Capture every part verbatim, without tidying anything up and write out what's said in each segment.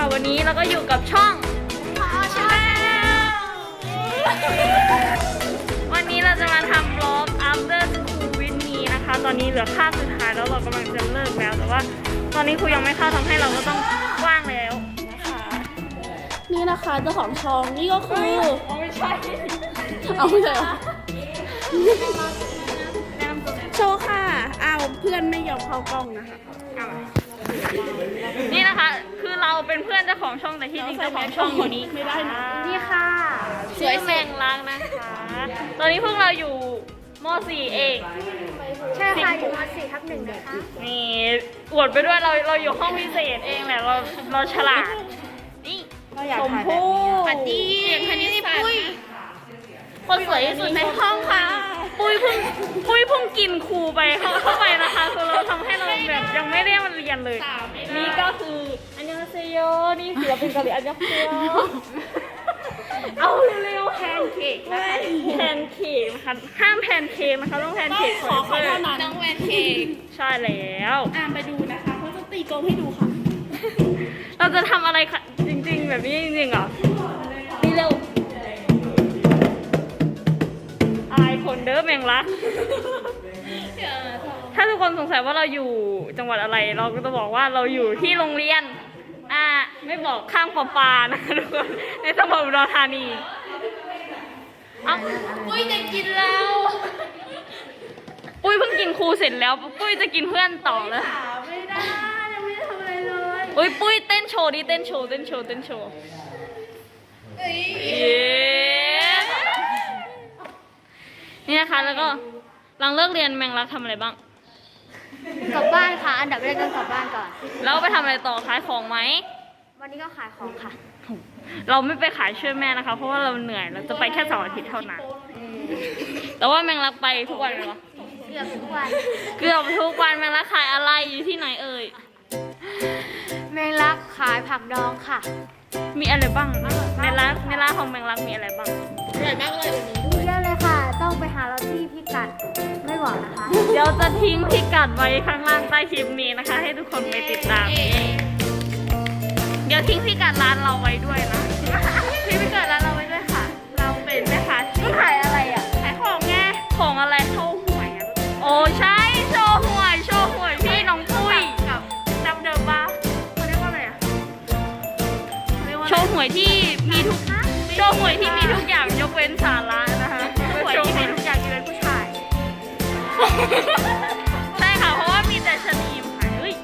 ค่ะวันนี้เราก็อยู่กับช่องชาแนลวันนี้เราจะมาทำบล็อก after school with me นะคะตอนนี้เหลือคาบสุดท้ายแล้วเรากำลังจะเลิกแล้วแต่ว่าตอนนี้ครูยังไม่เข้าทำให้เราก็ต้องว่างแล้วนะคะนี่นะคะเจ้าของช่องนี่ก็คือไม่ใช่เอาไม่ใช่โชว์ค่ะอ้าวเพื่อนไม่ยอมเข้ากล้องนะคะนี่นะคะคือเราเป็นเพื่อนเจ้าของช่องแต่ที่จริงเจ้าของช่องอยู่นี้ไม่ได้นะนี่ค่ะสวยแมงลักนะคะตอนนี้พวกเราอยู่ม.สี่ เองใช่ค่ะอยู่ม.สี่ ทับหนึ่งนะคะนี่อวดไปด้วยเราเราอยู่ห้องพิเศษเองแหละเราเราฉลาดนี่ชมพู่อันนี้อันนี้ปุ้ยคนสวยที่สุดในห้องค่ะปุ้ยเพิ่งปุ้ยเพิ่งกินครูไปเข้าเข้าไปนะคะคือเราทำให้เราแบบยังไม่ได้มาเรียนเลยนี่ก็คืออันยองเซโยนี่ศิลปินเกาหลีอันยองเซโยเอาเร็วๆแพนเค้กแพนเค้กนะคะห้ามแพนเค้กนะคะต้องแพนเค้กขอขอเท่านั้นน้องแพนเค้กใช่แล้วอ่านไปดูนะคะเขาจะตีกลมให้ดูค่ะเราจะทำอะไรคะจริงๆแบบนี้จริงๆเหรอนี่เร็วอายคนเด้อแมงลักถ้าทุกคนสงสัยว่าเราอยู่จังหวัดอะไรเราก็จะบอกว่าเราอยู่ที่โรงเรียนอ่าไม่บอกข้างปอปานะคะทุกคนในจังหวัดอุดรธานีเอ้าปุ้ยจะกินแล้วปุ้ยเพิ่งกินครูเสร็จแล้วปุ้ยจะกินเพื่อนต่อแล้วไม่ได้ยังไม่ได้ทำอะไรเลยอุ้ยปุ้ยเต้นโชว์ดิเต้นโชว์เต้นโชว์เต้นโชว์นี่นะคะแล้วก็หลังเลิกเรียนแมงลักทำอะไรบ้างกลับบ้านค่ะอันดับแรกต้องกลับบ้านก่อนแล้วไปทำอะไรต่อขายของไหมวันนี้ก็ขายของค่ะเราไม่ไปขายช่วยแม่นะคะเพราะว่าเราเหนื่อยเราจะไปแค่เสาร์อาทิตย์เท่านั้นแต่ว่าแมงลักไปทุกวันเลยเหรอเกือบทุกวันเกือบทุกวันแมงลักขายอะไรอยู่ที่ไหนเอ่ยแมงลักขายผักดองค่ะมีอะไรบ้างในร้านในร้านของแมงลักมีอะไรบ้างอร่อยมากเลยเยอะเลยค่ะต้องไปหาเราที่พิกัดไม่บอกนะคะเดี๋ยวจะทิ้งพิกัดไว้ข้างล่างใต้คลิปนี้นะคะให้ทุกคนไปติดตามเดี๋ยวทิ้งพิกัดร้านเราไว้ด้วยนะทิ้งพิกัดร้านเราไว้ด้วยค่ะเราเป็นแม่ค้าที่ขายอะไรอ่ะขายของไงของอะไรโชว์หวยอ่ะโอ้ใช่โชว์หวยโชว์หวยพี่น้องปุ้ยกับจำเดิมบ้าเขาเรียกว่าอะไรอ่ะโชว์หวยที่มีทุกโชว์หวยที่มีทุกอย่างยกเว้นสาระนะคะหวยที่มีทุกอย่างยกเว้นผู้ชายใช่ค่ะเพราะว่ามีแต่ชนีมค่ะเฮ้ย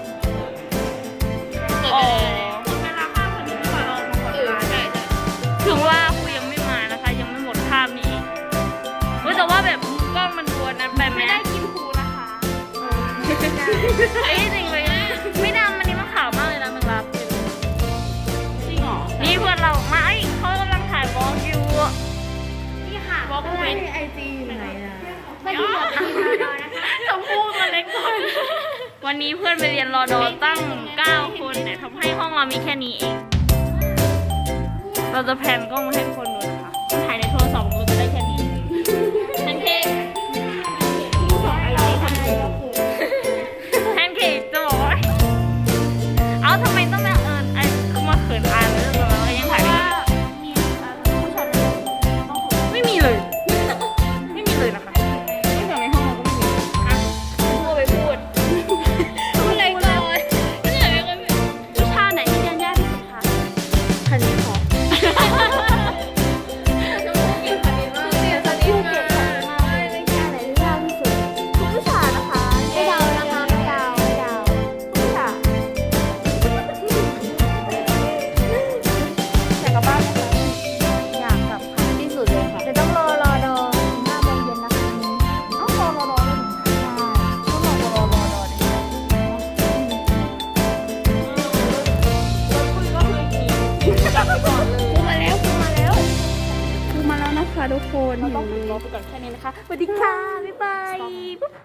อ๋อเวลาข้ามคนนี้ไม่ขอลองมาก่อนได้ถึงว่าครูยังไม่มานะคะยังไม่หมดภาพนี้เฮ้ยแต่ว่าแบบกล้องมันดวนนะแบบไม่ได้กินครูนะคะเอ้ยจริงเลยไม่ดำมันนี่มันขาวมากเลยนะมันรับจริงหรอนี่เพื่อนเรามาไอ้เขากำลังถ่ายบล็อกอยู่นี่ค่ะบล็อกเป็นไอจีไหนนะไม่ได้บอกเป็นรอดอนะคะชมพู่ตัวเล็กก่อนวันนี้เพื่อนไปเรียนรอดอตั้งเก้าคนเนี่ยทำให้ห้องเรามีแค่นี้เองเราจะแพนกล้องมาให้คนดูนะคะถ่ายในโทรศัพท์เราจะได้แค่นี้แพนเค้กแพนเค้กจะบอกว่าเอาทำไมต้องมาเอิญไอ้คือมาเขินอายเลยแล้วยังถ่ายไม่ไม่มีเลยไม่มีเลยนะคะไม่จากในห้องเราก็ไม่มีอ่ะพูดไปพูดพูดอะไรก่อนวิชาไหนที่เรียนยากที่สุดคะคณิตค่ะทุกคนเราต้องปิดบล็อกไปก่อนแค่นี้นะคะสวัสดีค่ะ บ๊ายบาย